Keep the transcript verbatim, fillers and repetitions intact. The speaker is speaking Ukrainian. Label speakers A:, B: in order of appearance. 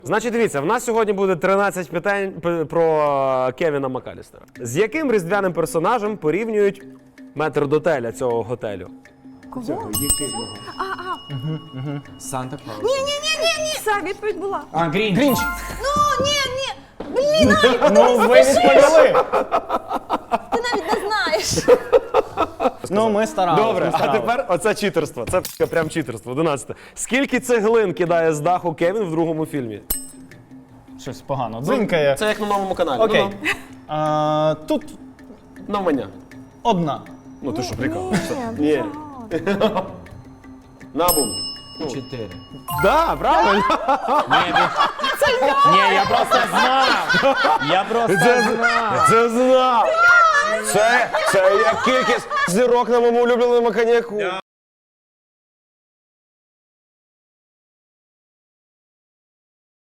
A: Значить, дивіться, в нас сьогодні буде тринадцять питань п- про Кевіна Макалістера. З яким різдвяним персонажем порівнюють метрдотеля цього готелю?
B: Кого?
C: Санта Клаус.
B: Ні, ні, ні, ні, ні. Все, відповідь була.
C: А, Грінч. Грінч.
B: Ну, ні, ні. Блін, навіть
D: Ну, ви відповіли.
B: ти навіть не знаєш.
D: Ну, ми старалися.
A: Добре,
D: ми
A: а
D: старались.
A: тепер оце читерство. Це п***, прям читерство. одинадцяте. Скільки цеглин кидає з даху Кевін в другому фільмі?
D: Щось погано. Дзинькає.
A: Це як на новому каналі.
D: Окей.
A: Ну,
D: А, тут
A: ну, навмання.
D: одна.
A: Ну ти що, прикалуєшся? Ні. Набум.
C: Чотири.
A: Да, правильно.
D: Ні, я просто знав. Я просто
A: Це,
D: знав.
A: це знав. Це, це як кількість зірок на моєму улюбленому коньяку.